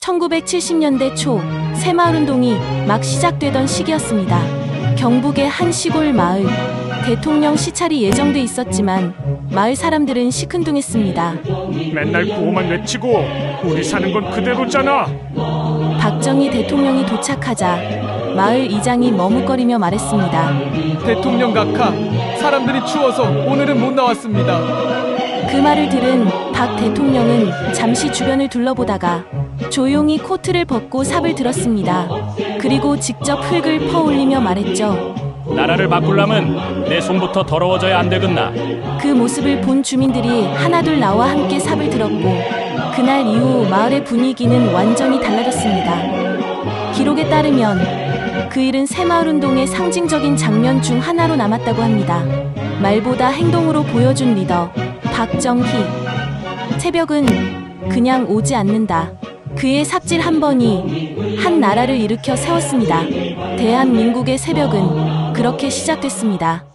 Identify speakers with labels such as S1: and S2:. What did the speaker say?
S1: 1970년대 초 새마을운동이 막 시작되던 시기였습니다. 경북의 한 시골 마을, 대통령 시찰이 예정돼 있었지만 마을 사람들은 시큰둥했습니다.
S2: 맨날 구호만 외치고 우리 사는 건 그대로잖아.
S1: 박정희 대통령이 도착하자 마을 이장이 머뭇거리며 말했습니다.
S3: 대통령 각하, 사람들이 추워서 오늘은 못 나왔습니다.
S1: 그 말을 들은 박 대통령은 잠시 주변을 둘러보다가 조용히 코트를 벗고 삽을 들었습니다. 그리고 직접 흙을 퍼올리며 말했죠.
S4: 나라를 바꾸려면 내 손부터 더러워져야 안 되겠나.
S1: 그 모습을 본 주민들이 하나둘 나와 함께 삽을 들었고 그날 이후 마을의 분위기는 완전히 달라졌습니다. 기록에 따르면 그 일은 새마을운동의 상징적인 장면 중 하나로 남았다고 합니다. 말보다 행동으로 보여준 리더 박정희. 새벽은 그냥 오지 않는다. 그의 삽질 한 번이 한 나라를 일으켜 세웠습니다. 대한민국의 새벽은 그렇게 시작됐습니다.